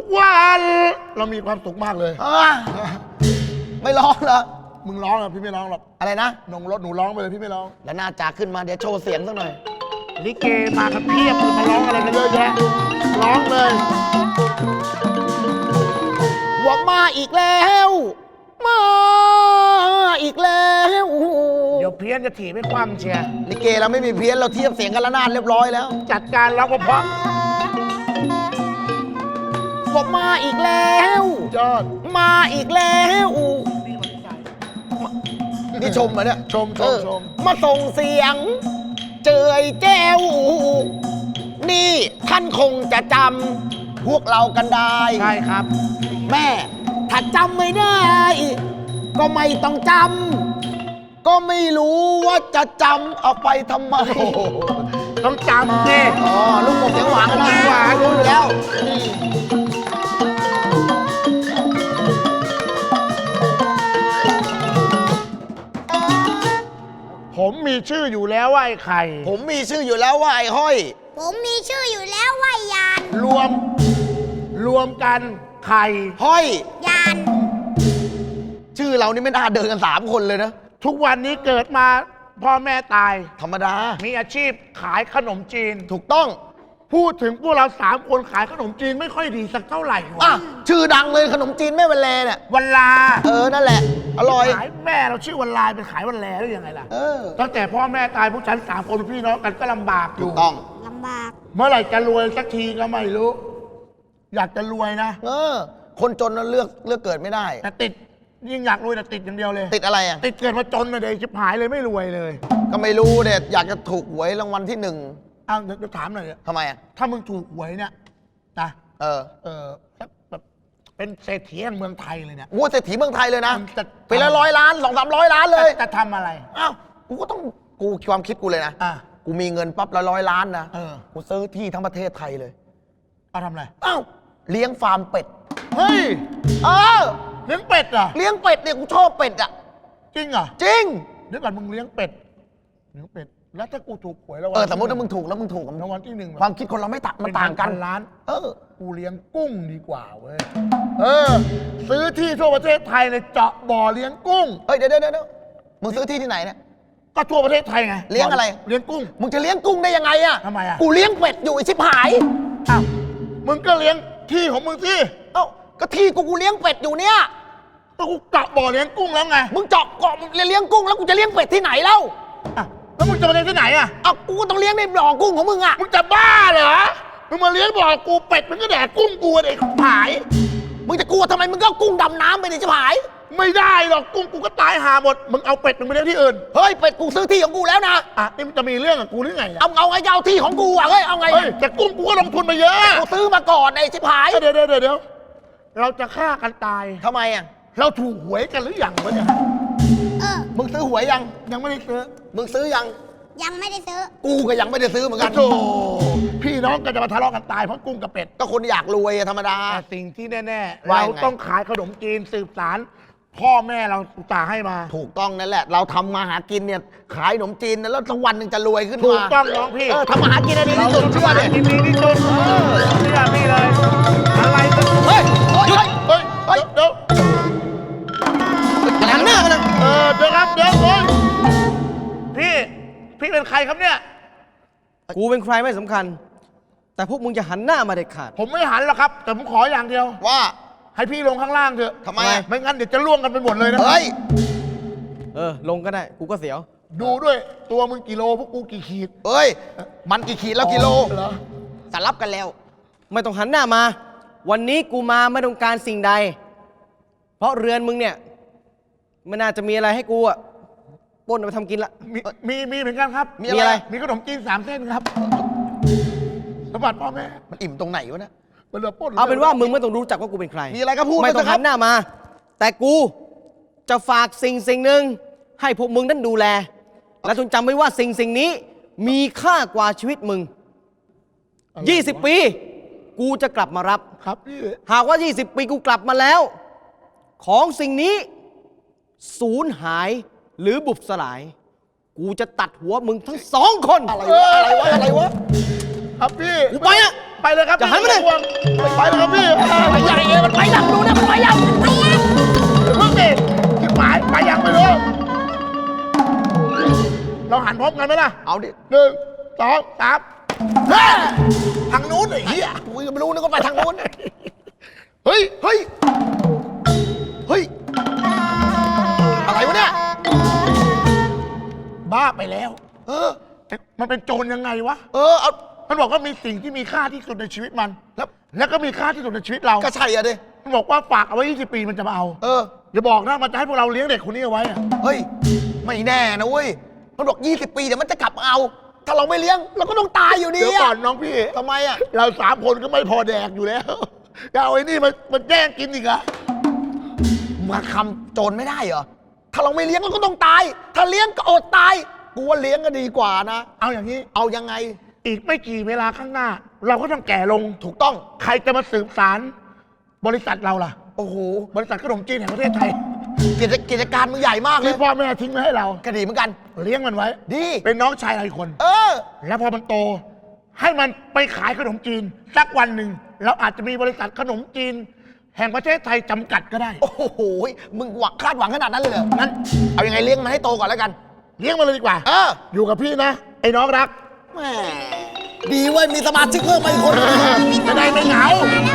กวันเรามีความสุขมากเลยไม่ร้องเหรอมึงร้องอ่ะพี่ไม่ร้องหรอกอะไรนะนงรถหนูร้องไปเลยพี่ไม่ร้องแล้วหน้าจากขึ้นมาเดี๋ยวโชว์เสียงสักหน่อยลิเกมากันเพียบมาร้องอะไรกันเยอะแยะร้องเลยหัวมาอีกแล้ว มาอีกแล้วเดี๋ยวเพี้ยนจะถีบให้คว่ำเชียร์ลิเกเราไม่มีเพี้ยนเราเทียบเสียงกันละนาดเรียบร้อยแล้วจัดการร้องเพราะหัวมาอีกแล้วยอดมาอีกแล้วนี่ชมเหรอเนี่ยชมมาส่งเสียง เจยแจ้ว นี่ท่านคงจะจำพวกเรากันได้ใช่ครับแม่ถ้าจำไม่ได้ ก็ไม่ต้องจำก็ไม่รู้ว่าจะจำเอาไปทำไมต้องจำดิอ๋อลูกผมเสียงหวานกันนะเสียงหวานรู้อยู่แล้วผมมีชื่ออยู่แล้วว่าไอ้ไข่ผมมีชื่ออยู่แล้วว่าไอ้ห้อยผมมีชื่ออยู่แล้วว่ายานรวมกันไข่ห้อยยานชื่อเรานี่ไม่น่าเดินกัน3 คนเลยนะทุกวันนี้เกิดมาพ่อแม่ตายธรรมดามีอาชีพขายขนมจีนถูกต้องพูดถึงพวกเรา3 คนขายขนมจีนไม่ค่อยดีสักเท่าไหร่อ่ะวะชื่อดังเลยขนมจีนแม่วันแลเนี่ยวันลานั่นแหละ อร่อยขายแม่เราชื่อวันลาเป็นขายวันแลได้ยังไงล่ะเออตั้งแต่พ่อแม่ตายพวกฉัน3 คนพี่น้องกันก็ลำบากอถูยู่กต้องลำบากเมื่อไหร่จะรวยสักทีก็ไม่รู้ อยากจะรวยนะคนจนนั้นเลือกเกิดไม่ได้แต่ติดยิ่งอยากรวยแต่ติดอย่างเดียวเลยติดอะไรอ่ะติดเกิดมาจนเลยเดี๋ยวชิบหายเลยไม่รวยเลยก็ไม่รู้เนี่ยอยากจะถูกหวยรางวัลที่ 1 อ้าวเดี๋ยวถามหน่อยเถอะทำไมอ่ะถ้ามึงถูกหวยเนี่ยนะ สักแบบเป็นเศรษฐีแห่งเมืองไทยเลยเนี่ยวัวเศรษฐีเมืองไทยเลยนะมึงจะปีละ100 ล้าน 200-300 ล้านเลยจะทำอะไรอ้าว กูก็ต้องกูความคิดกูเลยนะอ่ะกูมีเงินปั๊บละ100 ล้านนะเกูซื้อที่ทั้งประเทศไทยเลยเอาทำอะไรอ้าว เลี้ยงฟาร์มเป็ดเฮ้ยเออเลี้ยงเป็ดเหรอเลี้ยงเป็ดเนี่ยกูชอบเป็ดอ่ะจริงเหรอจริงเดี๋ยวก่อนมึงเลี้ยงเป็ดแล้วถ้ากูถูกหวยแล้วสมมติถ้ามึงถูกแล้วมึงถูกรางวัลที่1 ความคิดคนเราไม่มันต่างกันล้านเออกูเลี้ยงกุ้งดีกว่าเว้ยซื้อที่ทั่วประเทศไทยเลยเจาะบ่อเลี้ยงกุ้งเฮ้ยเดี๋ยวมึงซื้อที่ที่ไหนเนี่ยก็ทั่วประเทศไทยไงเลี้ยงอะไรเลี้ยงกุ้งมึงจะเลี้ยงกุ้งได้ยังไงอ่ะทำไมอ่ะกูเลี้ยงเป็ดอยู่ไอ้ชิบหายอ้าวมึงก็เลี้ยงที่ของมึงสิเอ้าก็ที่กูเลี้ยงเป็ดอยู่เนี่ยก็กูเจาะบ่อเลี้ยงกุ้งแล้วไงมึงเจาะเกาะเลี้ยงกุ้งแล้วกูจะเลี้ยงเป็ดที่ไหนเล่าอ่ะแล้วมึงจะมาเลี้ยงที่ไหนอ่ะเอ้ากูก็ต้องเลี้ยงในบ่อกุ้งของมึงอ่ะมึงจะบ้าเหรอมึงมาเลี้ยงบ่อกูเป็ดมันก็แดกกุ้งกูเด็กหายมึงจะกลัวทำไมมึงก็เอากุ้งดำน้ำไปดิชิบหายไม่ได้หรอกกุ้งกูก็ตายหาหมดมึงเอาเป็ดมึงไปเลี้ยงที่อื่นเฮ้ยเป็ดกูซื้อที่ของกูแล้วนะอ่ะนี่มันจะมีเรื่องกับกูหรือไงอ่ะเอาไงจะเอาที่ของกูอ่ะเฮ้ยเอาไงเฮ้ยแต่กุ้งกูก็ลงทุนมาเยอะกูซื้อมาก่อนไอ้ชิบหายเดี๋ยวเราจะฆ่ากันตายทำไมอ่ะเราถูกหวยกันหรือยังวะเนี่ยมึงซื้อหวยยังยังไม่ได้ซื้อมึงซื้อยังยังไม่ได้ซื้อกูก็ยังไม่ได้ซื้อเหมือนกันโธ่พี่น้องก็จะมาทะเลาะกันตายเพราะกุ้งกับเป็ดก็คนอยากรวยอะธรรมดาแต่สิ่งที่แน่ๆว่าเรายังไงต้องขายขนมจีนสืบสารพ่อแม่เราอุตส่าห์ให้มาถูกต้องนั่นแหละ เราทำมาหากินเนี่ยขายขนมจีนนะแล้วสักวันหนึ่งจะรวยขึ้นมาถูกต้องน้องพี่ทำมาหากินอันนี้เราที่สุดต้องเชื่อขายเลยกินดีที่สุดเชื่อพี่เลย อะไรกันเฮ้ยหยุดเฮ้ยเดี๋ยวหันหน้ามาเลยเดี๋ยวครับเดี๋ยวเฮ้ยพี่เป็นใครครับเนี่ยกูเป็นใครไม่สำคัญ แต่พวกมึงจะหันหน้ามาเด็ดขาดผมไม่หันหรอกครับ แต่ผมขออย่างเดียวว่าให้พี่ลงข้างล่างเถอะทำไมอะไม่งั้นเดี๋ยวจะล่วงกันไปหมดเลยนะเฮ้ยลงก็ได้ กูก็เสียวดูด้วยตัวมึงกี่โลพวกกูกี่ขีดเฮ้ย มันกี่ขีดแล้วกิโลเหรอสลับกันแล้วไม่ต้องหันหน้ามา วันนี้กูมาไม่ต้องการสิ่งใด เพราะเรือนมึงเนี่ยไม่น่าจะมีอะไรให้กูอะปล้นเอาไปทำกินละมีเหมือนกันครับมีอะไรมีขนมจีน3 เส้นครับสมบัติพ่อแม่มันอิ่มตรงไหนวะเนี่ยมันเหลือปล้นเอาเป็นว่ามึงไม่ต้องรู้จักว่ากูเป็นใครมีอะไรก็พูดไม่ต้องปสิคหัรับนหน้ามา แต่กูจะฝากสิ่งหนึ่งให้พวกมึงนั้นดูแล และจงจำไว้ว่าสิ่งนี้มีค่ากว่าชีวิตมึง 20 ปี กูจะกลับมารับครับพี่หากว่า 20 ปีกูกลับมาแล้ว ของสิ่งนี้สูญหายหรือบุบสลาย กูจะตัดหัวมึงทั้ง2 คนอะไรวะครับพี่กูไปอะพไปเลยครับจะหันมาดิไต้องห่วงไปเลยครับพี่ไปใหญ่เองมันไปยังดูนะมันไปยังเดี๋ยวเพิ่งดิที่หมายไปยังไม่รู้เราหันพร้อมกันไหมล่ะเอาดิ 1 2 3เฮ้ยทางนู้นไอ้เหี้ยกูยังไม่รู้นึกว่าไปทางนู้นเฮ้ยเฮ้ย เฮ้ย อะไรวะเนี่ยบ้าไปแล้วเออมันเป็นโจรยังไงวะเอามันบอกว่ามีสิ่งที่มีค่าที่สุดในชีวิตมัน แล้วก็มีค่าที่สุดในชีวิตเราก็ใช่อะดิมันบอกว่าฝากเอาไว้ 20 ปีมันจะมาเอา อย่าบอกนะมันจะให้พวกเราเลี้ยงเด็กคนนี้เอาไว้อะเฮ้ย ไม่แน่นะเว้ย มันบอก 20 ปีเดี๋ยวมันจะกลับมาเอา ถ้าเราไม่เลี้ยงเราก็ต้องตายอยู่ดีเดี๋ยวก่อนอะน้องพี่ทำไมอะเรา3 คนก็ไม่พอแดกอยู่แล้วจะเอาไอ้นี่มันแย่งกินอีกเหรอมาคำโจรไม่ได้เหรอ ถ้าเราไม่เลี้ยงเราก็ต้องตาย ถ้าเลี้ยงก็อดตาย กูว่าเลี้ยงก็ดีกว่านะเอาอย่างนี้เอายังไงอีกไม่กี่เวลาข้างหน้า เราก็ต้องแก่ลงถูกต้องใครจะมาสืบสารบริษัทเราล่ะโอ้โหบริษัทขนมจีนแห่งประเทศไทยกิจการมึงใหญ่มากเลที่ยพ่อแม่ทิ้งไว้ให้เราก็ดีเหมือนกันเลี้ยงมันไว้ดีเป็นน้องชายเราอีกคนเออแล้วพอมันโต ให้มันไปขายขนมจีนสักวันหนึ่งเราอาจจะมีบริษัทขนมจีน แห่งประเทศไทยจำกัดก็ได้โอ้โห มึงหวังคาดหวังขนาดนั้นเลยเหรองั้น เอายังไงเลี้ยงมันให้โตก่อนแล้วกันเลี้ยงมันเลยดีกว่า อยู่กับพี่นะ ไอ้น้องรักแหมดีเว้ย มีสมาชิกเพิ่มมาอีกคนจะได้ไม่เหงา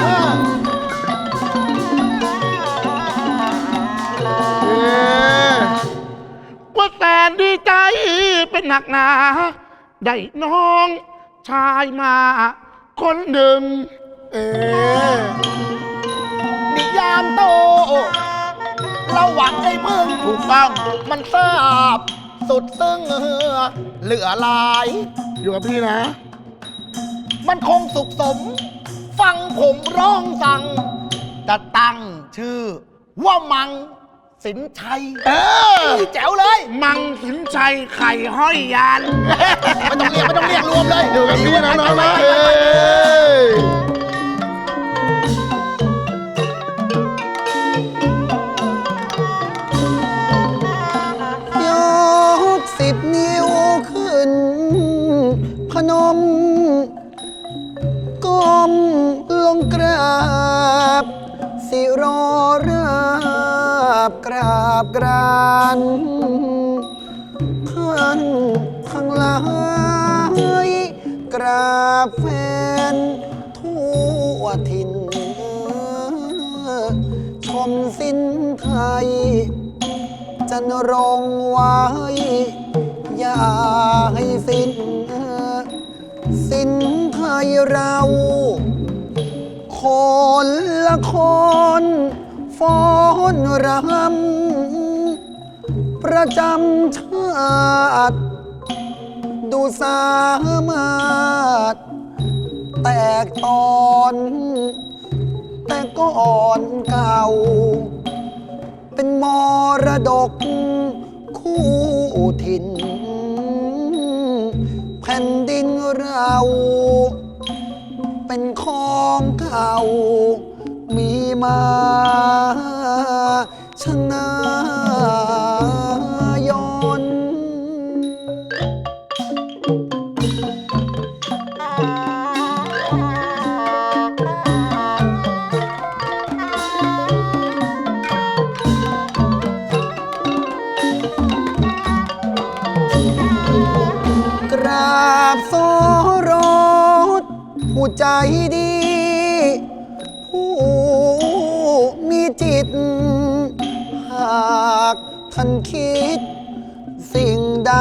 ว่าแสนดีใจเป็นหนักหนา ได้น้องชายมาคนหนึ่งนิยามโต เราหวังให้พึ่งถูกต้องมันทราบสุดซึ้งเหลือหลายอยู่กับพี่นะมันคงสุขสม ฟังผมร้องสั่ง จะตั้งชื่อ ว่ามังสินชัย แจ๋วเลยมังสินชัยไข่ห้อยยานไม่ต้องเรียกรวมเลยอยู่กับพี่นะน้องนะยก10 นิ้วขึ้น พนม ก้มลงกราบ สิรอราบกราบกรานท่านทั้งหลายกราบแฟนทั่วถิ่น ชมสิ้นไทย จันรงไว้ อย่าให้สิ้นไทยเรา คนละคนฟ้อนรำประจำชาติ ดูสามารถ แตกตอน แต่ก่อนเก่า เป็นมรดกคู่ถิ่น แผ่นดินเรา เป็นของเก่า มีมาชนายน กราบโสรสผู้ใจดี ผู้มีจิต หากท่านคิด สิ่งใด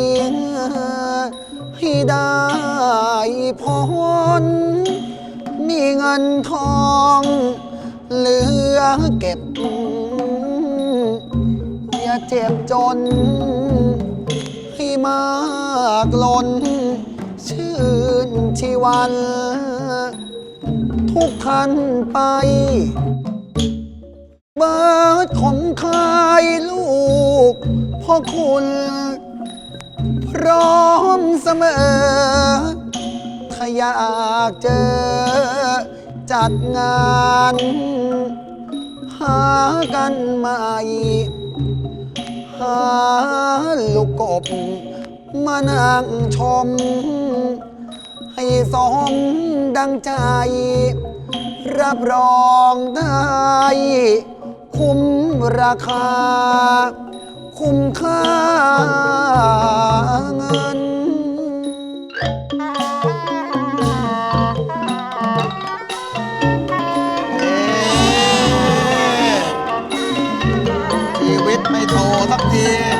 ให้ได้พรมีเงินทองเหลือเก็บ อย่าเจ็บจน ให้มากล้น ชื่นชีวัน ทุกท่านไป เบิดขมคายลูกพ่อคุณ พร้อมเสมอ ถ้าอยากเจอ จัดงาน หากันใหม่ หาลูกกบมานั่งชมให้สมดังใจ รับรองได้คุ้มราคา คุ้มค่าเงินชีวิตไม่โทรสักที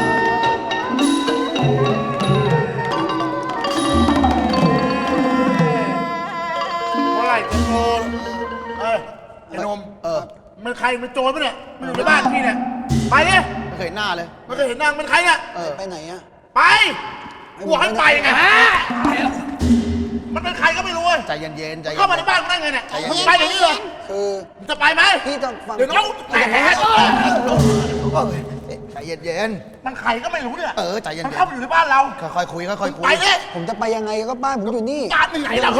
เมื่อไหร่จะโจรไอ้หนมมันใครมันโจรปะเนี่ยมันอยู่ในบ้านพี่เนี่ยไปดิไม่เคยเห็นหน้าเลยมันเคยเห็นนางมันใครเนี่ยไปไหนอะไปกูบอกให้ไปไงฮะมันเป็นใครก็ไม่รู้เว้ยใจเย็นๆใจเย็นเข้ามาในบ้านมึงได้ไงเนี่ยมึงไปเดี๋ยวนี้เลยคือมึงจะไปไหมพี่ต้องฟังเดี๋ยวน้องแตกใจเย็นมันใครก็ไม่รู้เนี่ยใจเย็นๆมันเข้ามาอยู่ในบ้านเราค่อยๆคุยค่อยๆคุไปยดิผมจะไปยังไงก็บ้านผมอยู่นี่บ้านมึงไหนเรา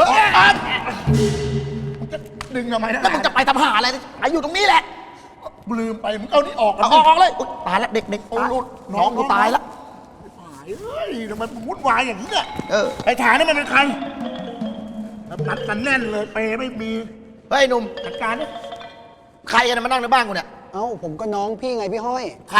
มึงจะดึงทำไมนะแล้วมึงจะไปทำหาอะไรไปอยู่ตรงนี้แหละลืมไปมึงเอานี่ออกเอาออกเลยอุ๊ยตายแล้วเด็กๆโอ้ลูกน้องกูตายแล้วเฮ้ยทำไมมึงวุ่นวายอย่างนี้เนี่ยเไอ้ฐานนี่มันเป็นใครนัดกันแน่นเลยเปไม่มีฮ้ยหนุ่มจัดการนี่ใครกันมานั่งในบ้านกูเนี่ยเอ้าผมก็น้องพี่ไงพี่ห้อยใคร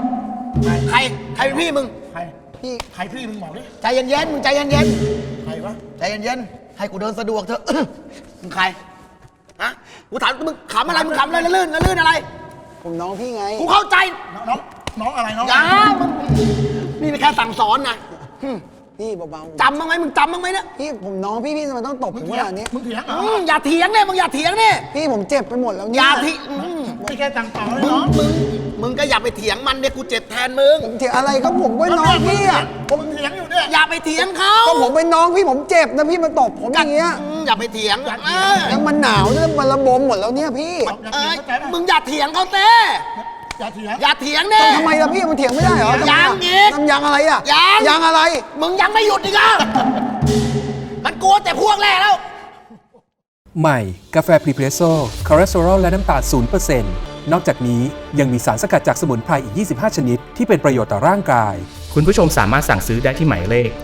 เป็นพี่มึงใครพี่ใครพี่มึงบอกดิใจเย็นๆมึงใจเย็นใครวะๆใจเย็นๆให้กูเดินสะดวกเถอะ มึงใครฮะกูถามมึงขำอะไรมึงขำอะไรลื่นอะไรผมน้องพี่ไงกูเข้าใจน้องอะไรน้องอย่ามึงนี่เป็นแค่สั่งสอนนะพี่เบาๆจำบ้างไหมมึงจำบ้างไหมเนี่ยพี่ผมน้องพี่ทำไมต้องตบผมขนาดนี้มึงเถียงเหรออย่าเถียงเนี่ยมึงอย่าเถียงเนี่ยพี่ผมเจ็บไปหมดแล้วอเนี่ยย่าทีไม่แค่สั่งสอนเลยมึงเนาะมึงก็อย่าไปเถียงมันเนี่ยกูเจ็บแทนมึงผมเถียงอะไรก็ผมก็น้องพี่อะผมเถียงอยู่เนี่ยอย่าไปเถียงเขาก็ผมเป็นน้องพี่ผมเจ็บนะพี่มาตบผมอย่างเงี้ยอย่าไปเถียงแล้วมันหนาวแล้วมันระบมหมดแล้วเนี่ยพี่มึงอย่าเถียงเขาเต้อย่าเถียงอย่าเถียงเนี่ยทำไมล่ะพี่มันเถียงไม่ได้เหรอยังอีกทำยังอะไรอะยังยังอะไรมึงยังไม่หยุดอีกอ่ะมันกลัวแต่พวกแรกแล้วใหม่ กาแฟพรีเพรสโซ่คอเลสเตอรอลและน้ำตาล0%นอกจากนี้ยังมีสารสกัดจากสมุนไพรอีก 25 ชนิด ที่เป็นประโยชน์ต่อร่างกายคุณผู้ชมสามารถสั่งซื้อได้ที่หมายเลข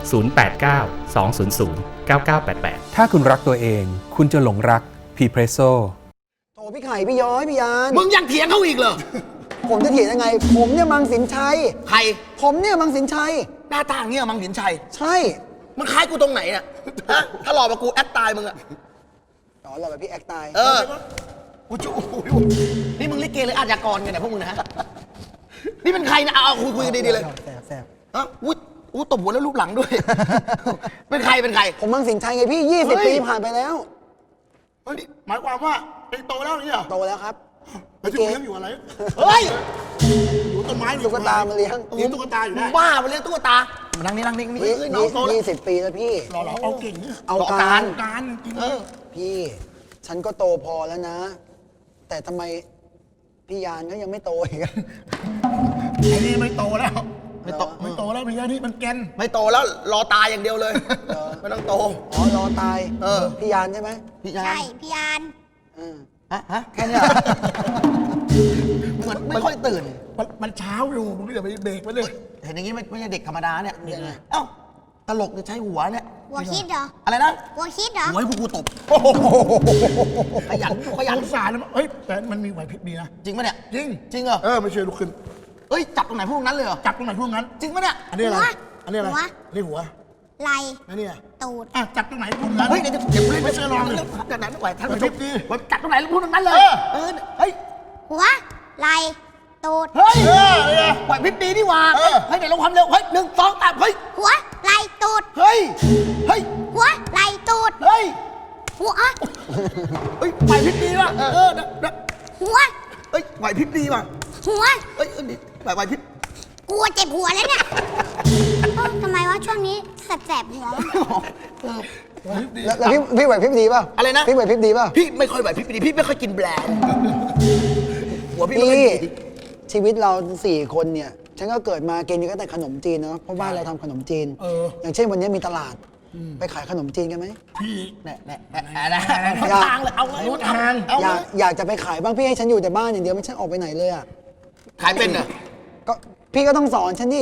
089 200 9988 ถ้าคุณรักตัวเอง คุณจะหลงรักพรีเพรสโซ่โถพี่ไข่พี่ย้อยพี่ยานมึงยังเถียงเขาอีกเหรอผมจะเถียงยังไง ผมเนี่ยมังสินชัยใครผมเนี่ยมังสินชัยหน้าตาอย่างเงี้ยมังหินชัยใช่มึงคล้ายกูตรงไหนน่ะฮะถ้าหลอกมากูแอดตายมึงอะอ๋อเราแบบพี่แอคตายกูจูนี่มึงลิเกหรืออาชญากรกันเนี่ยพวกมึงนะฮะนี่เป็นใครนะเอาคุยกันดีๆเลยแสบฮะอู้ตบหัวแล้วรูปหลังด้วย เป็นใครผมมังสินชัยไงพี่ 20 ปีผ่านไปแล้วเฮ้ยหมายความว่าเองโตแล้วนี่เหรอโตแล้วครับแล้วที่เลี้ยงอยู่อะไรเฮ้ยอยู่ต้นไม้ตุ๊กตามาเลี้ยงเลี้ยงตุ๊กตาอยู่มึได้งบ้าไปเลี้ยงตุ๊กตามานั่งนี่นี่เอ้ยน้องโตแล้ว 20 ปีแล้วพี่หล่อๆเอาเก่งเนี่ยเอาต่อการการการจริงพี่ ฉันก็โตพอแล้วนะ แต่ทำไมพี่ยานก็ยังไม่โตอีกอะไอ้นี่ไม่โตแล้วไม่โตไม่โตแล้วพี่นี่มันแกนไม่โตแล้วรอตายอย่างเดียวเลย ไม่ต้องโตอ๋อรอตายเออพี่ยานใช่ไหมพี่ยาใช่นพี่ยานอืมฮะแค่เนี้ยเหมือนไม่ค่อยตื่นมันเช้าอยู่มึงอย่าไปเบรกมันเลยเห็นอย่างนี้ไม่ใช่เด็กธรรมดาเนี่ยเอ้าตลกจะใช้หัวเนี่ยหัวคิดเหรออะไรนะหัวคิดเหรอหัวให้พวกกูตบขยันสงสารนะเฮ้ยแต่มันมีไหวพริบดีนะจริงปะเนี่ยจริงจริงเหรอไม่เชื่อลุกขึ้นเอ้ยจับตรงไหนพวกนั้นเลยเหรอจับตรงไหนพวกนั้นจริงปะเนี่ยอันนี้อะไรหัวอันนี้อะไรหัวอันนี้หัวไหลอันนี้อะตูดจับตรงไหนพวกนั้นเฮ้ยเดี๋ยวเล่นไม่เชื่อลองเลยจากไหนไม่ไหวท่านไหวผู้พชริมบดีจับตรงไหนพวกนั้นเลยเออเฮ้ยหัวไหลตูดเฮ้ยเนี่ยไหวพริบดีนี่หว่าเฮ้ยเดี๋ยวลงความเร็วเฮ้ย1 2 3เฮ้ยหัวไหลตูดเฮ้ยเฮ้ยหัวไหลตูดเฮ้ยหัวเฮ้ยไหวพริบดีว่ะหัวเฮ้ยไหวพริบดีว่ะหัวเฮ้ยไหวพริบกลัวเจ็บหัวแล้วเนี่ยทำไมวะช่วงนี้แสบๆหัววะแล้วพี่ไหวพริบดีป่ะอะไรนะพี่ไหวพริบดีป่ะพี่ไม่ค่อยไหวพริบดีพี่ไม่ค่อยกินแบรนด์หัวพี่ไม่ค่อยพี่ดีชีวิตเรา4 คนเนี่ย ฉันก็เกิดมากินก็แต่ขนมจีนเนาะเพราะบ้านเราทำขนมจีน อย่างเช่นวันนี้มีตลาด ไปขายขนมจีนกันไหมแน่ทางเลยเอาเลยรู้ทางเอาอเลยายกจะไปขายบ้างพี่ให้ฉันอยู่แต่บ้านอย่างเดียวไม่ฉันออกไปไหนเลยอ่ะขายเป็นเหรอก็พี่ก็ต้องสอนฉันดิ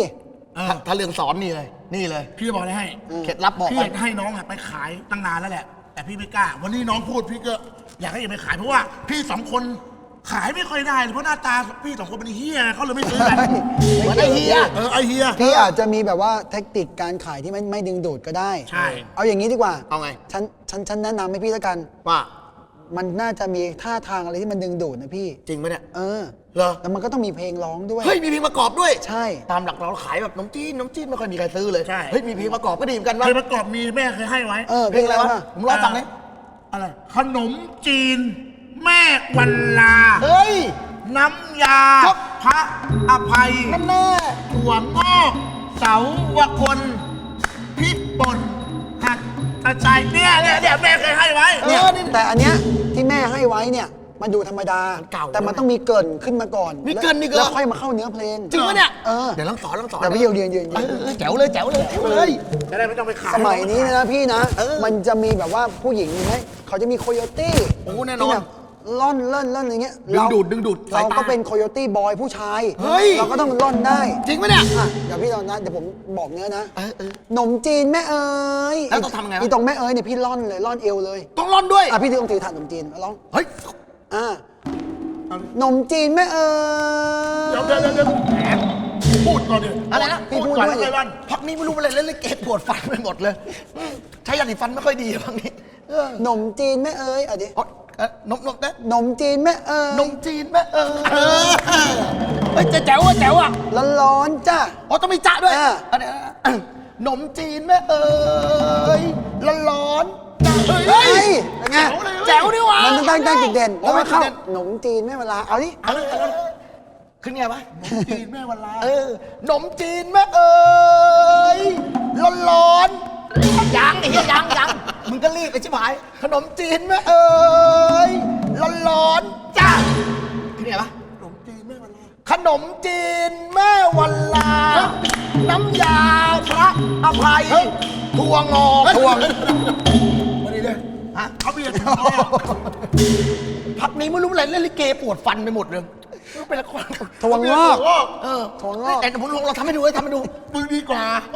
ถ้าเรื่องสอนนี่เลย นี่เลยพี่จะบอกอะไรให้เคล็ดลับบอกพี่ไปอยากให้น้องอะไปขายตั้งนานแล้วแหละ แต่พี่ไม่กล้า วันนี้น้องพูดพี่ก็อยากให้ไปขายเพราะว่าพี่สองคนขายไม่ค่อยได้เลยเพราะหน้าตาพี่สองคนเป็นเฮียเขาเลยไม่ซื้อกันเหมือนไอ้เฮียไอเฮียพี่อาจจะมีแบบว่าเทคนิคการขายที่ไม่ดึงดูดก็ได้ใช่เอาอย่างนี้ดีกว่าเอาไงฉันแนะนำให้พี่แล้วกันว่ามันน่าจะมีท่าทางอะไรที่มันดึงดูดนะพี่จริงไหมเนี่ยเออเหรอแล้วมันก็ต้องมีเพลงร้องด้วยเฮ้ยมีเพลงประกอบด้วยใช่ตามหลักเราขายแบบน้ำจีนไม่ค่อยมีใครซื้อเลยใช่เฮ้ยมีเพลงประกอบก็ดีเหมือนกันวะเคยประกอบมีแม่เคยให้ไว้เออเพลงอะไรวะผมลองฟังเลยอะไรขนมจีน แม่วันลาเฮ้ยน้ำยาครับพระอภัยนั่นแน่ถั่วงอกเสาวคนพริกป่นหักกระชายเนี่ยแม่เคยให้ไว้เนี่ยนี่แต่อันเนี้ยที่แม่ให้ไว้เนี่ยมันดูธรรมดามันเก่าแต่มันต้องมีเกริ่นขึ้นมาก่อนมีเกริ่นอีกเหรอแล้วค่อยมาเข้าเนื้อเพลงจริงปะเนี่ยเออเดี๋ยวลองสอนแต่พี่ยืนแจ๋วเลยแจ๋วเลยแจ๋วเลยจะได้ไม่ต้องไปขายสมัยนี้นะพี่นะเออมันจะมีแบบว่าผู้หญิงไหมเขาจะมีโคโยตี้โอ้แน่นอนที่แบบล่อนเล่นอย่างเงี้ยดึงดูดสายตาเราก็เป็นโคโยตี้บอยผู้ชายเฮ้ยเราก็ต้องล่อนได้จริงปะเนี่ยอ่ะเดี๋ยวพี่ตอนนั้นเดี๋ยวผมบอกเนื้อนะเออหนมจีนแม่เอ๋ยแล้วต้องทำไงวะอีตรงแม่เอ๋ยเนี่ยพี่ล่อนเลยล่อนเอวเลยต้องร่อนด้วยอ่ะพี่ต้องถือถาดหนมจีนร้องเฮ้ยอ่ะหนมจีนแม่เอ๋ยเดี๋ยวแหมพูดก่อนดิอะไรนะพี่พูดก่อนด้วยไอ้วันพักนี้ไม่รู้อะไรเล่นเกตปวดฟันไปหมดเลย ใช้ยาสีฟันไม่ค่อยดีพักนี้หนมจีนแม่เอ๋ยอ่ะดินมนะหนมจีนแม่เอ๋ยนมจีนแม่เฮ้ยแจ๋วอ่ะร้อนๆจ้ะอ๋อต้องมีจ๊ะด้วยอ่าอันนี้นมจีนแม่เอ๋ยร้อนจ้ะเฮ้ยเป็นไงแจ๋วดิวะมันต้องตั้งจุดเด่นโอ้แล้วก็เข้าจุดเด่นหนมจีนแม่เวลาเอาดิขึ้นไงวะจีนแม่วันลานมจีนแม่เอ๋ยร้อนยังไอ้เหี้ยยังมึงก็รีบไปชิบหายขนมจีนแม่เอ๋ยร้อนจ้าขึ้นไงวะขนมจีนแม่วันลาขนมจีนแม่วันลา น้ำยาพระอภัยถั่วงอกถั่วมาดีเลยฮะเขาเบียร์ถึงเขาอะพักนี้ไม่รู้อะไรเล่นลิเกปวดฟันไปหมดเลยเป็นละครถั่วงอกถั่วงอกแต่ผมเราทำให้ดูทำให้ดูมึงดีกว่า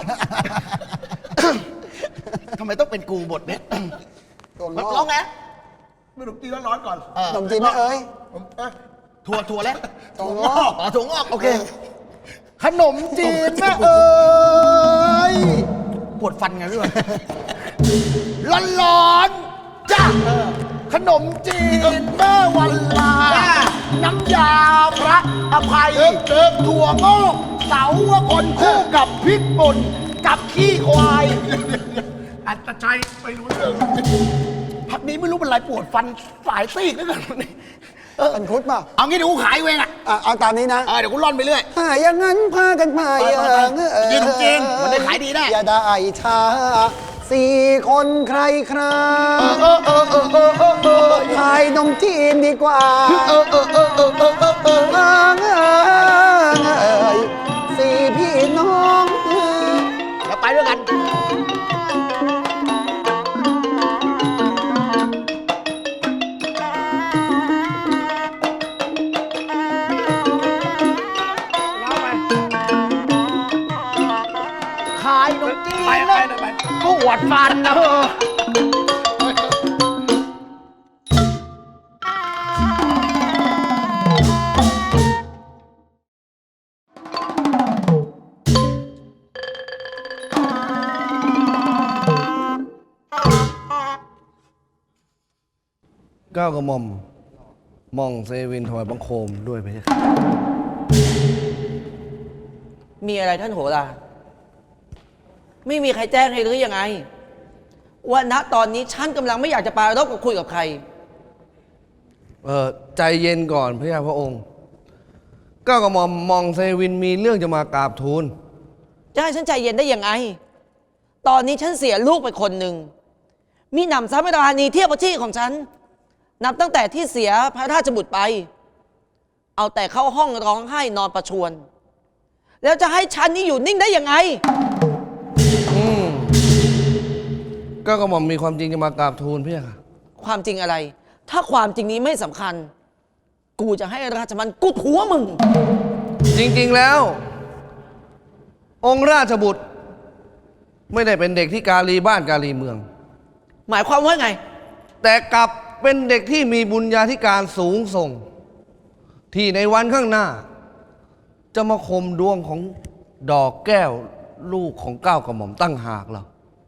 ทำไมต้องเป็นกูบทเนี่ยถั่วงร้ออก งไงขนมจีนร้อนๆก่อนหนมจีนแม่เอ๋ยถั่วแล้วถั่วงอกอ๋อถั่วงอกโอเค ขนมจีนแม่เอ๋ยปวดฟันไงพี่วะร้อนๆจ้าขนมจีนแม่วันลา น้ำยาพระอภัยถั่วงอกเสาวคนคู่กับพริกป่นกับขี้ควายอัตชัยไม่รู้เรื่องพักนี้ไม่รู้เป็นไรปวดฟันสายซีกนึกกันนี่อันคุดเปล่าเอางี้เดี๋ยวกูขายเองอ่ะเอาตามนี้นะเดี๋ยวกูร่อนไปเรื่อยถ้าอย่างนั้นพากันไปกินขนมจีนมันได้ขายดีแน่อย่าได้ช้า4 คนใครคราขายนมจีนดีกว่าสี่พี่น้องแล้วไปด้วยกัน ขายนมจีนแล้วปวดฟันนะก้าวกระหม่อมมองเซวินถวายบังคมด้วยพระเจ้าค่ะมีอะไรท่านโหราไม่มีใครแจ้งให้หรือยังไงว่าณตอนนี้ฉันกำลังไม่อยากจะปรารภกับคุยกับใครใจเย็นก่อนพระเจ้าพระองค์ก้าวกระหม่อมมองเซวินมีเรื่องจะมากราบทูลจะให้ฉันใจเย็นได้ยังไง ตอนนี้ฉันเสียลูกไปคนหนึ่งมีหนำซ้ำราณีเทียบกับที่ของฉัน นับตั้งแต่ที่เสียพระราชบุตรไป เอาแต่เข้าห้องร้องไห้นอนประชวรแล้วจะให้ฉันนี่อยู่นิ่งได้ยังไงก้าวกระหม่อมมีความจริงจะมากราบทูลพระเจ้าค่ะความจริงอะไร ถ้าความจริงนี้ไม่สำคัญ กูจะให้ราชมันกุดหัวมึงจริงๆแล้วองค์ราชบุตร ไม่ได้เป็นเด็กที่กาลีบ้านกาลีเมืองหมายความว่าไงแต่กลับเป็นเด็กที่มีบุญญาธิการสูงส่ง ที่ในวันข้างหน้า จะมาคมดวงของดอกแก้วลูกของเก้ากระหม่อมตั้งหากเรา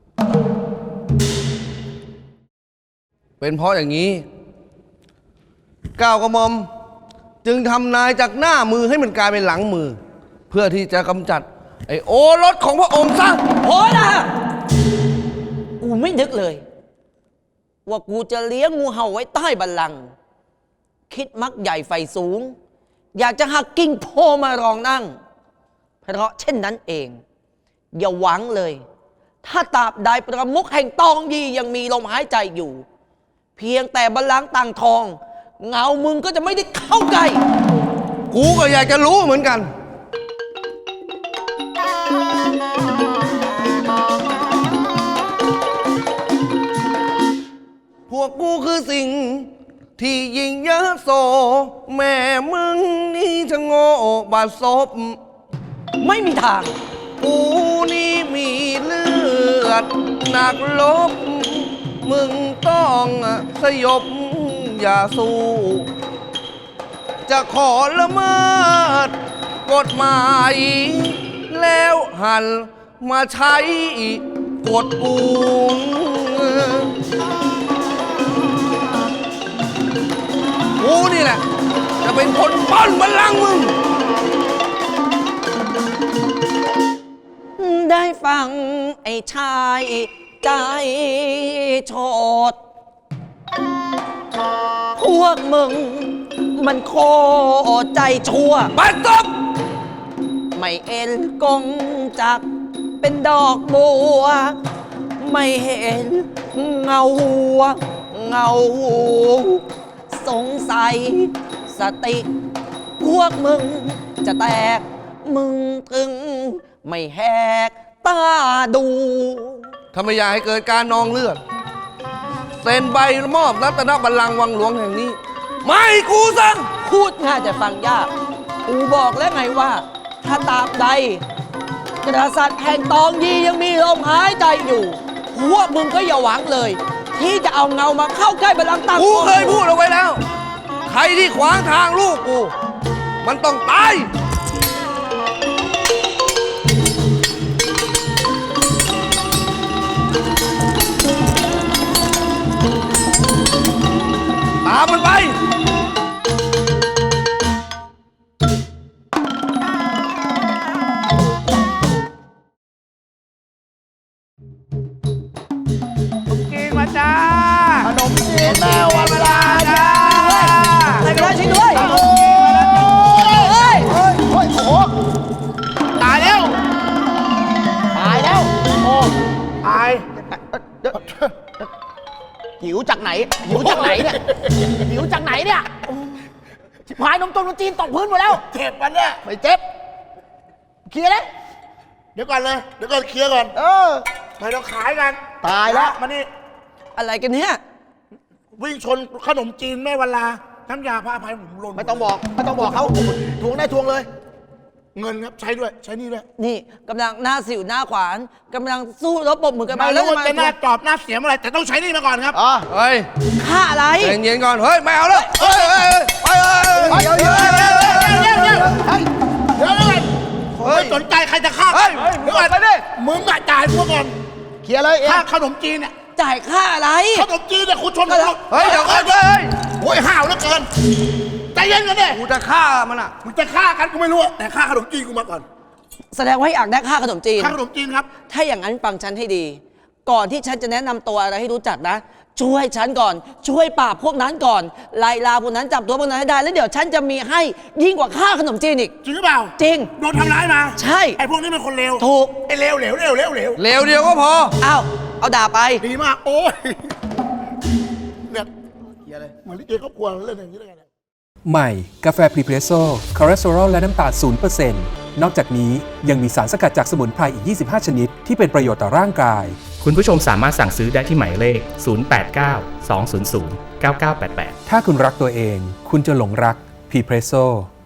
เป็นเพราะอย่างนี้เก้ากระหม่อมจึงทำนายจากหน้ามือให้มันกลายเป็นหลังมือ เพื่อที่จะกำจัดไอ้โอรสของพระองค์ซะโอ้นะกูไม่นึกเลย ว่ากูจะเลี้ยงงูเห่าไว้ใต้บัลลังก์คิดมักใหญ่ไฟสูง อยากจะหักกิ่งโพมารองนั่ง เพราะเช่นนั้นเอง อย่าหวังเลย ถ้าตราบใดประมุขแห่งตองยียังมีลมหายใจอยู่ เพียงแต่บัลลังก์ต่างทอง เงามึงก็จะไม่ได้เข้าใกล้กูก็อยากจะรู้เหมือนกัน พวกกูคือสิ่งที่ยิ่งเยอะโส แม่มึงนี่จะโง่บาดซบไม่มีทางกูนี่มีเลือดหนักลบ มึงต้องสยบอย่าสู้ จะขอละเมิดกฎหมาย แล้วหันมาใช้กฎกูกูนี่แหละ จะเป็นคนป้อนบัลลังก์มึงได้ฟังไอ้ชายใจโฉดพวกมึงมันโคตรใจชั่วบัดซบไม่เอ็นกงจักเป็นดอกบัว ไม่เห็นเงาหัวเงาหูสงสัยสติ พวกมึงจะแตกมึงถึงไม่แหกตาดูถ้าไม่อยากให้เกิดการนองเลือด เซ็นใบมอบรัตนบัลลังก์วังหลวงแห่งนี้ ไม่กูสั่งพูดง่ายแต่ฟังยาก กูบอกแล้วไงว่า ถ้าตราบใดกษัตริย์แห่งตองยียังมีลมหายใจอยู่ พวกมึงก็อย่าหวังเลย ที่จะเอาเงามาเข้าใกล้บัลลังก์ต่างกูเคยพูดเอาไว้แล้ว ใครที่ขวางทางลูกกู มันต้องตาย ตามมันไปจีนมาจ้า ขนมจีนแม่วันเวลาจ้าใครก็ได้ช่วยด้วยโอ้ยโอ้ยโอ้ยโอ้โหตายแล้ว ตายแล้ว โอ้ตาย หิวจากไหน หิวจากไหนเนี่ย หิวจากไหนเนี่ยชิบหายนมจีนตกพื้นหมดแล้วเจ็บมันเนี่ยไม่เจ็บ เคลียร์เลยเดี๋ยวก่อนเลย เดี๋ยวก่อนเคลียร์ก่อน ไม่ต้องขายกันตายแล้วมานี่อะไรกันเนี่ยวิ่งชนขนมจีนแม่วันลา น้ำยาผ้าอภัยผมหล่นไม่ต้องบอก ไม่ต้องบอกเขาทวงได้ทวงเลยเงินครับใช้ด้วย ใช้นี่ด้วยนี่กำลังหน้าสิวหน้าขวานกำลังสู้รบปรบมือกันไม่มารู้ว่ามาจะหน้าจอบหน้าเสียมอะไร แต่ต้องใช้นี่มาก่อนครับเฮ้ยฆ่าอะไรใจเย็นๆก่อน เฮ้ย ไม่เอาแล้วเฮ้ยเฮ้ยเฮ้ยไปเฮ้ยเดี๋ยวไม่สนใจใครจะฆ่าเฮ้ยเดี๋ยวก่อนไปดิมึงอะจ่ายพวกก่อนเคลียร์เลยเองค่าขนมจีนเนี่ยจ่ายค่าอะไรขนมจีนเนี่ยคุณชนผมเฮ้ย เดี๋ยวก่อนเฮ้ยโอ้ยห้าวเหลือเกิน ใจเย็นกันดิกูจะฆ่ามันอ่ะมึงจะฆ่ากันกูไม่รู้อะแต่ฆ่าขนมจีนกูมาก่อนแสดงว่าอยากได้ค่าขนมจีนค่าขนมจีนครับถ้าอย่างนั้นฟังฉันให้ดี ก่อนที่ฉันจะแนะนำตัวอะไรให้รู้จักนะ ช่วยฉันก่อน ช่วยปราบพวกนั้นก่อน ไล่ลาพวกนั้นจับตัวพวกนั้นให้ได้ แล้วเดี๋ยวฉันจะมีให้ยิ่งกว่าค่าขนมจีนอีกจริงหรือเปล่าจริงโดนทำร้ายมาใช่ไอ้พวกนี้เป็นคนเลวถูกไอ้เลวเหลวเหลวเหลวเหลวเร็วเดียวก็พอเอาด่าไปดีมาก โอ้ยเนี่ยเหมือนลิเกครอบครัวเล่นอย่างนี้ได้ไงเนี่ยใหม่ กาแฟพรีเพรสโซ่คอเลสเตอรอลและน้ำตาล 0% นอกจากนี้ยังมีสารสกัดจากสมุนไพรอีก 25 ชนิด ที่เป็นประโยชน์ต่อร่างกายคุณผู้ชมสามารถสั่งซื้อได้ที่หมายเลข 089 200 9988 ถ้าคุณรักตัวเอง คุณจะหลงรักพรีเพรสโซ่